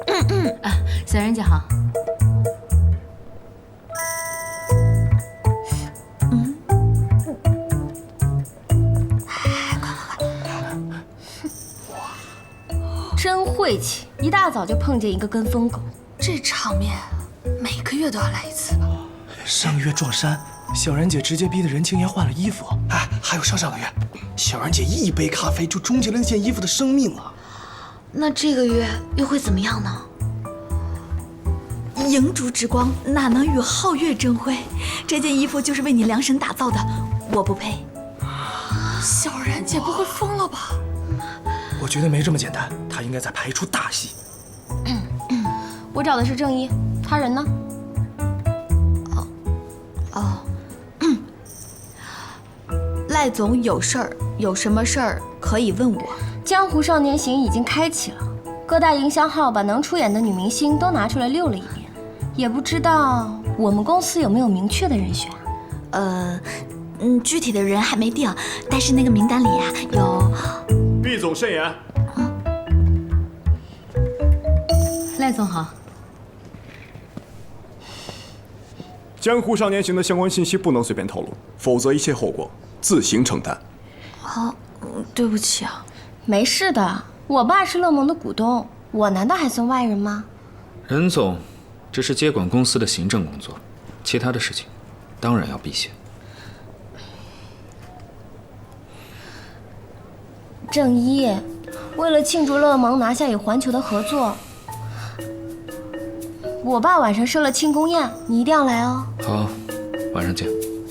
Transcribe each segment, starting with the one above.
小然姐好。 真晦气，一大早就碰见一个跟风狗。 这场面每个月都要来一次吧？ 上个月撞衫，小然姐直接逼得任清言换了衣服。哎，还有上个月，小然姐一杯咖啡就终结了那件衣服的生命啊！ 那这个月又会怎么样呢？ 银烛之光哪能与皓月争辉？这件衣服就是为你量身打造的，我不配。 小然姐不会疯了吧？ 我觉得没这么简单，她应该在拍一出大戏。 我找的是正一，他人呢？ 赖总有事儿，有什么事儿可以问我。 江湖少年行已经开启了，各大营销号把能出演的女明星都拿出来溜了一遍，也不知道我们公司有没有明确的人选。 具体的人还没定，但是那个名单里呀有。 毕总慎言。 赖总好。 江湖少年行的相关信息不能随便透露，否则一切后果自行承担。 好，对不起啊。 没事的，我爸是乐盟的股东，我难道还算外人吗？ 任总，这是接管公司的行政工作，其他的事情当然要避嫌。 正一，为了庆祝乐盟拿下与环球的合作，我爸晚上设了庆功宴，你一定要来哦。 好，晚上见。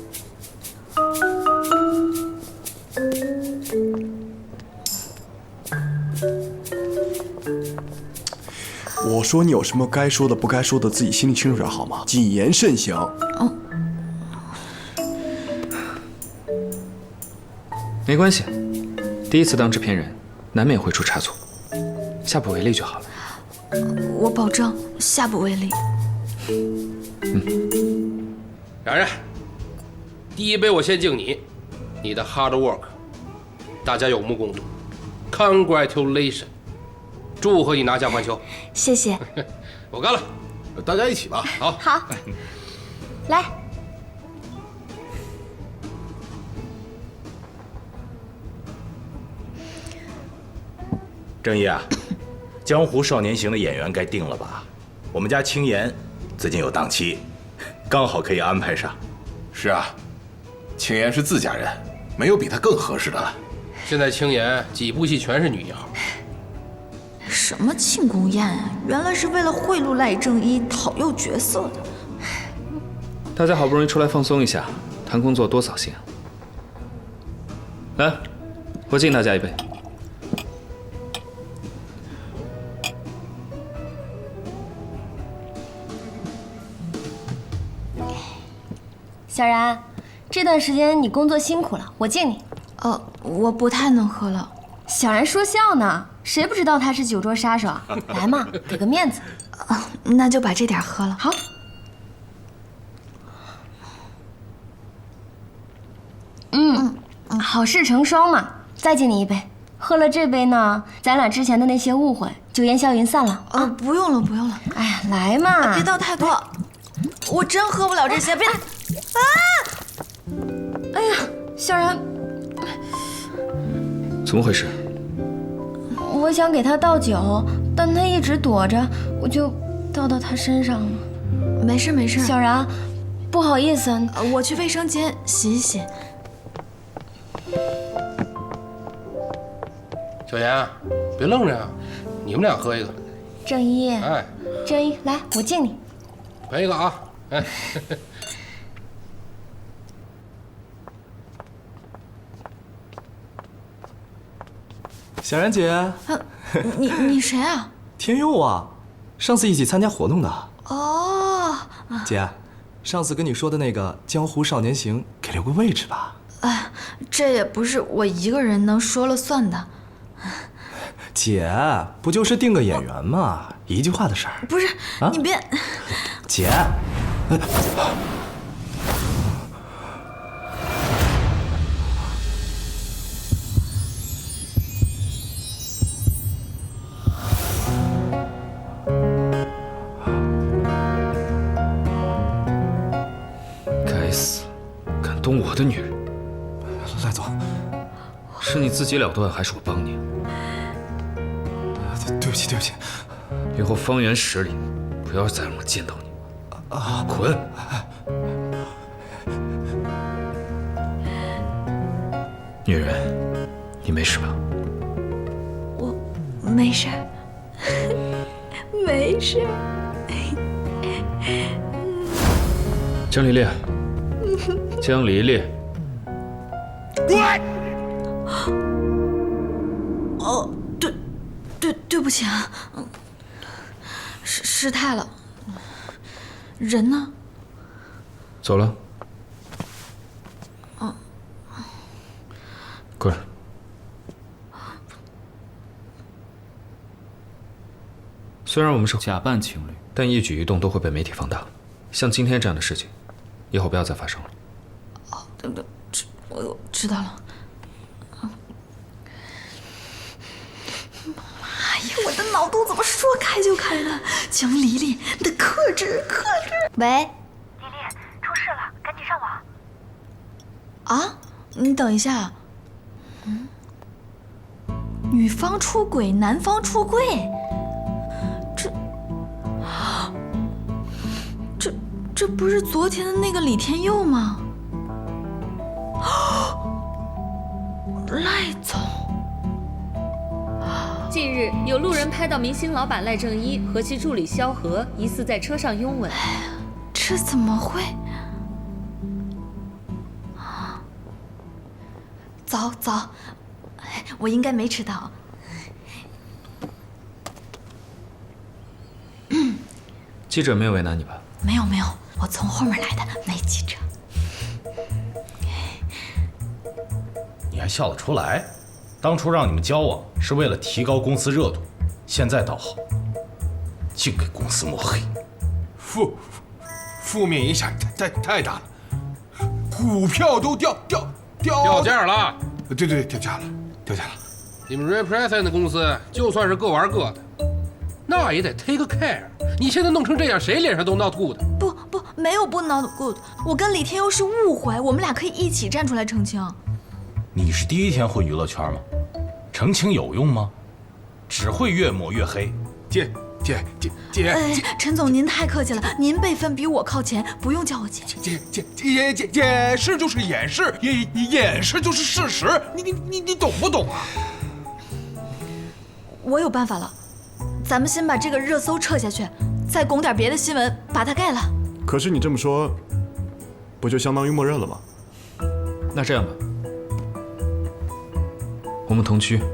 我说你有什么该说的不该说的，自己心里清楚点好吗？谨言慎行。 没关系，第一次当制片人，难免会出差错，下不为例就好了。 我保证下不为例。 然然，第一杯我先敬你，你的 hard work， 大家有目共睹 ，congratulation， 祝贺你拿下环球。 谢谢。 我干了，大家一起吧。好， 好，来。 正义啊，江湖少年行的演员该定了吧？我们家青岩最近有档期，刚好可以安排上。 是啊，青岩是自家人，没有比他更合适的了。 现在青岩几部戏全是女一号。 什么庆功宴啊？原来是为了贿赂赖正一，讨诱角色的。 大家好不容易出来放松一下，谈工作多扫兴啊！来，我敬大家一杯。 小然，这段时间你工作辛苦了，我敬你。 我不太能喝了。 小然说笑呢，谁不知道他是酒桌杀手啊？来嘛，给个面子。 那就把这点喝了。 好。好事成双嘛，再敬你一杯。喝了这杯呢，咱俩之前的那些误会就烟消云散了。 不用了，不用了。 哎呀，来嘛， 别倒太多，我真喝不了这些。别！ 哎呀，小然， 怎么回事？ 我想给他倒酒，但他一直躲着，我就倒到他身上了。 没事没事。 小然，不好意思， 我去卫生间洗一洗。 小严，别愣着呀，你们俩喝一个。 正一， 哎， 正一，来，我敬你。 陪一个啊，哎。 小然姐， 你谁啊？ 天佑啊，上次一起参加活动的。 哦， 姐，上次跟你说的那个江湖少年行，给留个位置吧。 这也不是我一个人能说了算的。 姐，不就是定个演员吗？一句话的事儿。 不是，你别。 姐。 动我的女人。 赖总， 是你自己了断，还是我帮你？ 对不起，对不起。 以后方圆10里不要再让我见到你。滚！女人，你没事吧？ 我没事，没事。 江离烈，江离烈。 哦，对不起啊，失态了。人呢？ 走了。过来。虽然我们是假扮情侣，但一举一动都会被媒体放大。像今天这样的事情，以后不要再发生了。 哦，对，我知道了。哎呀，我的脑洞怎么说开就开呢？江离离，你得克制。 喂， 离离，出事了，赶紧上网。 啊，你等一下。女方出轨，男方出柜，这不是昨天的那个李天佑吗？赖总。 近日，有路人拍到明星老板赖正一和其助理萧何疑似在车上拥吻。 这怎么会？早，我应该没迟到。 记者没有为难你吧？ 没有，我从后面来的，没记者。 你还笑得出来？当初让你们交往是为了提高公司热度，现在倒好，净给公司抹黑。 负面影响太大了，股票都掉价了。 对，掉价了。 你们 Represent 公司就算是各玩各的，那也得 take care。你现在弄成这样，谁脸上都闹吐的。 不，没有不 not good。我跟李天佑是误会，我们俩可以一起站出来澄清。 你是第一天混娱乐圈吗？澄清有用吗？只会越抹越黑。 姐， 陈总您太客气了，您辈分比我靠前，不用叫我姐。 掩饰就是掩饰，掩饰就是事实，你懂不懂啊？ 我有办法了，咱们先把这个热搜撤下去，再拱点别的新闻把它盖了。 可是你这么说，不就相当于默认了吗？ 那这样吧，我们同居。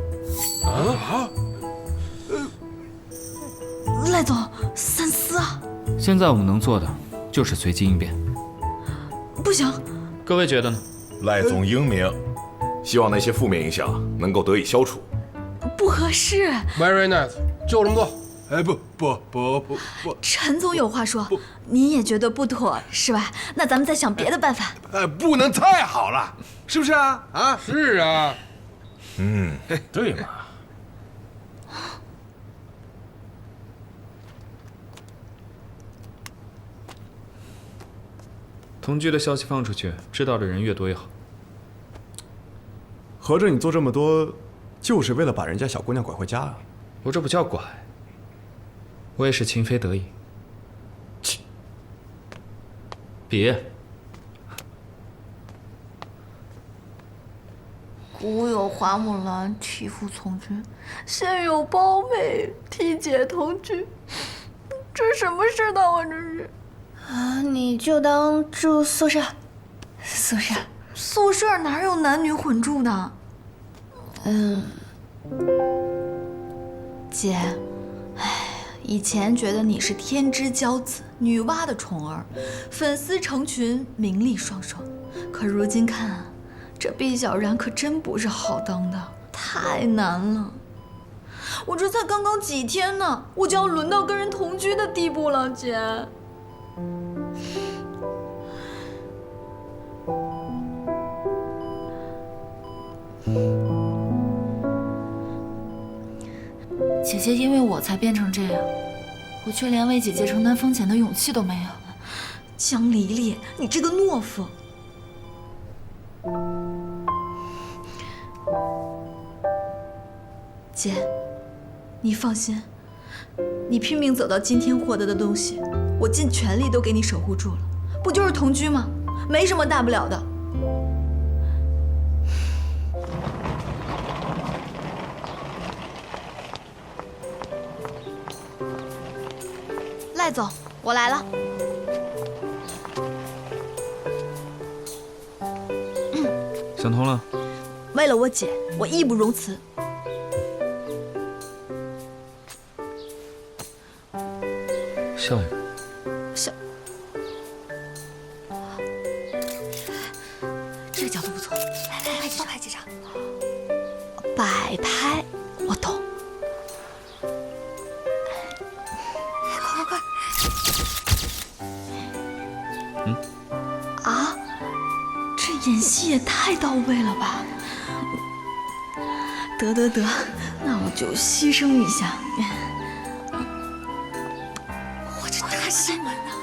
赖总，三思啊！ 现在我们能做的就是随机应变。 不行， 各位觉得呢？ 赖总英明，希望那些负面影响能够得以消除。 不合适。 Very nice， 就这么做。 不， 陈总有话说，您也觉得不妥是吧？那咱们再想别的办法。 不能太好了，是不是啊？啊， 是啊。 对嘛。 同居的消息放出去，知道的人越多越好。 合着你做这么多，就是为了把人家小姑娘拐回家啊？ 我这不叫拐，我也是情非得已。别。 古有花木兰替父从军，现有包围替姐同居，这什么世道啊？这是。 啊，你就当住宿舍。 宿舍哪有男女混住的？姐，以前觉得你是天之骄子，女娲的宠儿，粉丝成群，名利双收。可如今看啊，这毕小然可真不是好当的，太难了。我这才刚刚几天呢，我就要轮到跟人同居的地步了，姐。姐姐因为我才变成这样，我却连为姐姐承担风险的勇气都没有。江离离，你这个懦夫！ 姐，你放心，你拼命走到今天获得的东西，我尽全力都给你守护住了。不就是同居吗？没什么大不了的。赖总，我来了。 想通了？ 为了我姐，我义不容辞。 笑一个。 笑。这个角度不错，来，多拍几张。摆拍，我懂。快！啊，这演戏也太到位了吧！得，那我就牺牲一下。我这大新闻啊！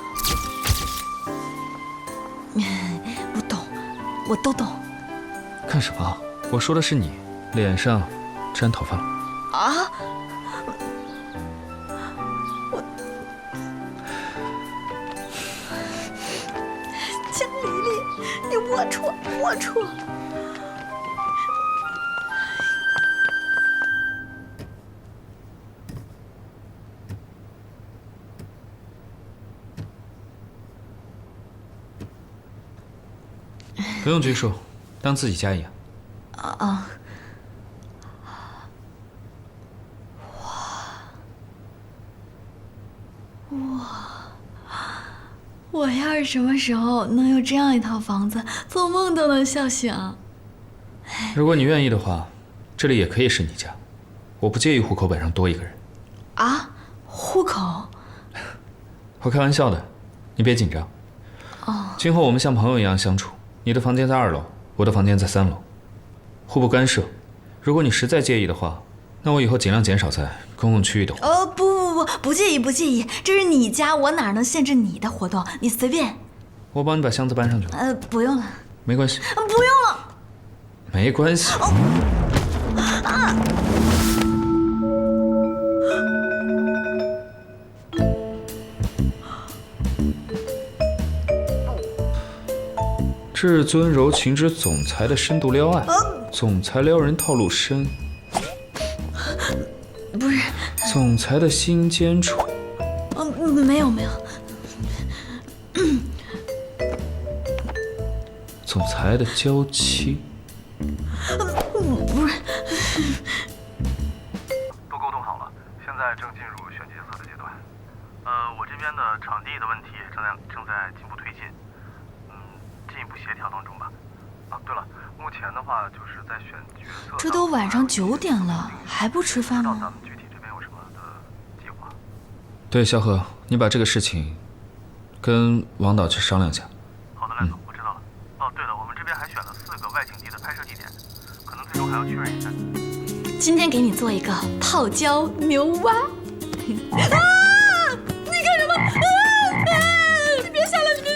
我都懂。 看什么？我说的是你，脸上沾头发了。 啊！江丽丽，你龌龊！ 不用拘束，当自己家一样。 我要是什么时候能有这样一套房子，做梦都能笑醒。 如果你愿意的话，这里也可以是你家，我不介意户口本上多一个人。 啊，户口？ 我开玩笑的，你别紧张。今后我们像朋友一样相处，你的房间在2楼，我的房间在3楼，互不干涉。如果你实在介意的话，那我以后尽量减少在公共区域的活动。 不介意，这是你家，我哪能限制你的活动？你随便。 我帮你把箱子搬上去。 不用了。 没关系。 不用了。 没关系。至尊柔情之总裁的深度撩案，总裁撩人套路深。 不是。 总裁的心尖处。 没有。 总裁的娇妻。 不是。 都沟通好了，现在正进入选角色的阶段。我这边的场地的问题正在进一步推进，进一步协调当中吧。对了，目前的话就是在选角色。 这都晚上9点了，还不吃饭吗？ 咱们具体这边有什么的计划？ 对，萧何，你把这个事情跟王导去商量一下。 好的，赖总，我知道了。对了，我们这边还选了4个外景地的拍摄地点，可能最终还要确认一下。 今天给你做一个泡椒牛蛙。你干什么？你别下来，你别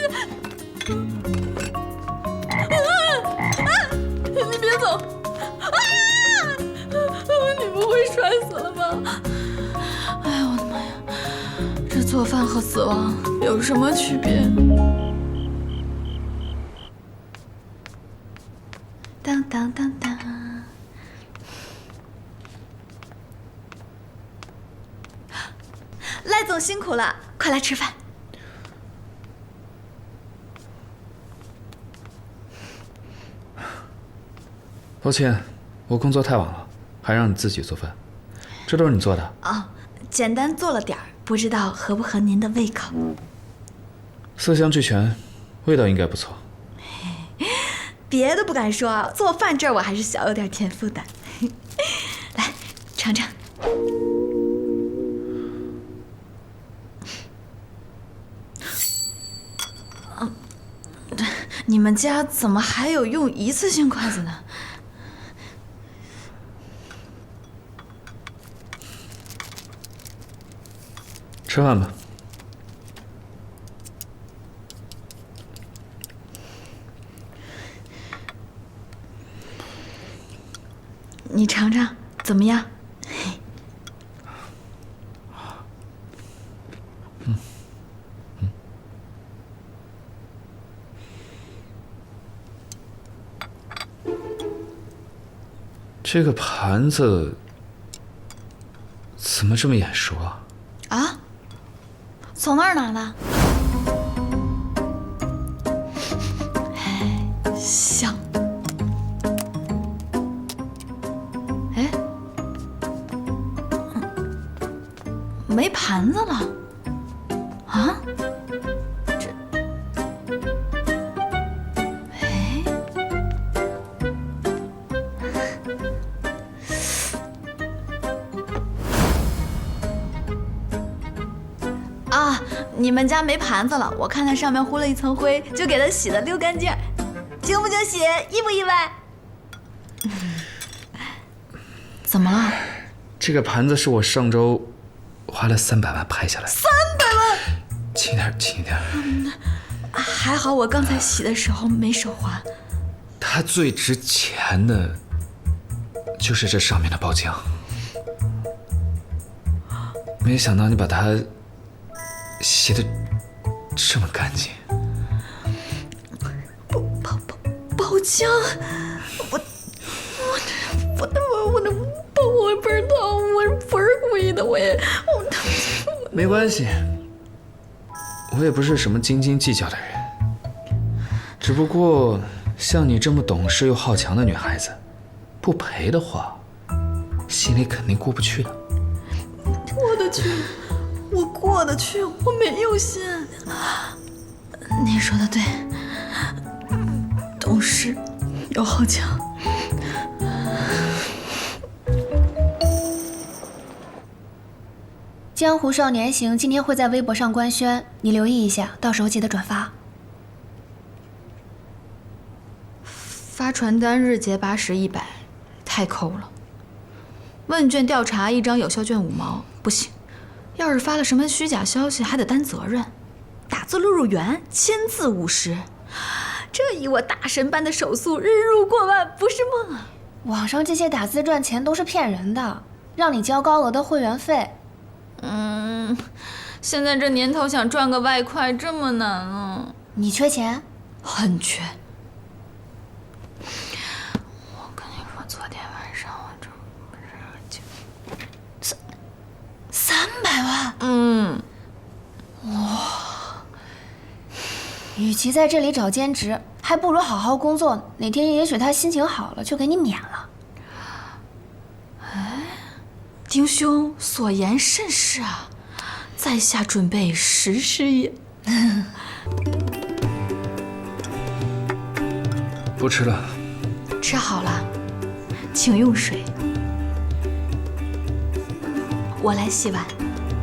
你别走！你不会摔死了吧？哎呀，我的妈呀！这做饭和死亡有什么区别？当当当当！赖总辛苦了，快来吃饭。 抱歉，我工作太晚了，还让你自己做饭，这都是你做的？ 简单做了点儿，不知道合不合您的胃口。 色香俱全，味道应该不错。 别的不敢说，做饭这儿我还是小有点天赋的。来，尝尝。你们家怎么还有用一次性筷子呢？ 吃饭吧。 怎么样？ 这个盘子怎么这么眼熟啊？ 啊？从哪儿拿的？香。哎，没盘子了。啊？啊，你们家没盘子了，我看它上面糊了一层灰，就给它洗得溜干净，惊不惊喜？意不意外？怎么了？ 这个盘子是我上周花了300万拍下来的。 300万！ 轻点，轻点。 还好我刚才洗的时候没手滑。 它最值钱的，就是这上面的包浆。没想到你把它洗得这么干净。 包浆，我不知道，我不是故意的， 没关系，我也不是什么斤斤计较的人，只不过像你这么懂事又好强的女孩子，不赔的话，心里肯定过不去的。 过得去，我过得去，我没有心。你说的对，懂事又好强。 江湖少年行今天会在微博上官宣，你留意一下，到时候记得转发。 发传单日结80、100，太抠了。问卷调查1张有效卷5毛，不行。要是发了什么虚假消息，还得担责任。打字录入员，1000字50，这以我大神般的手速，日入过万不是梦啊！ 网上这些打字赚钱都是骗人的，让你交高额的会员费。 现在这年头想赚个外快这么难啊！ 你缺钱？ 很缺。我跟你说，昨天晚上我这不是300万。 哇！与其在这里找兼职，还不如好好工作。哪天也许他心情好了，就给你免了。 哎，丁兄所言甚是啊！在下准备实施也。 不吃了。 吃好了，请用水。我来洗碗。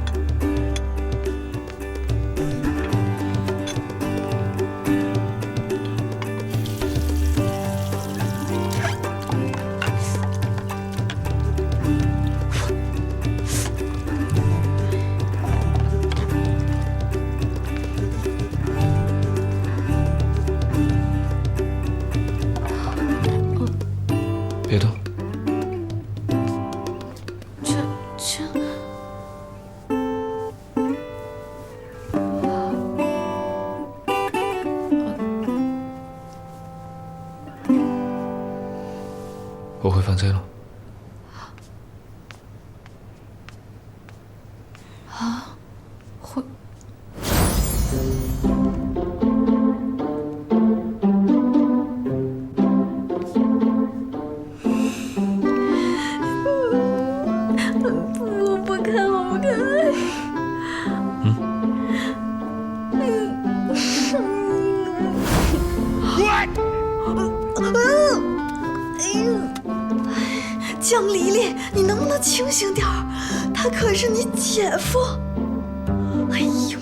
别动。我会犯罪了。 啊，会。我不看，我不看。江离离，你能不能清醒点儿？他可是你姐夫。哎呦！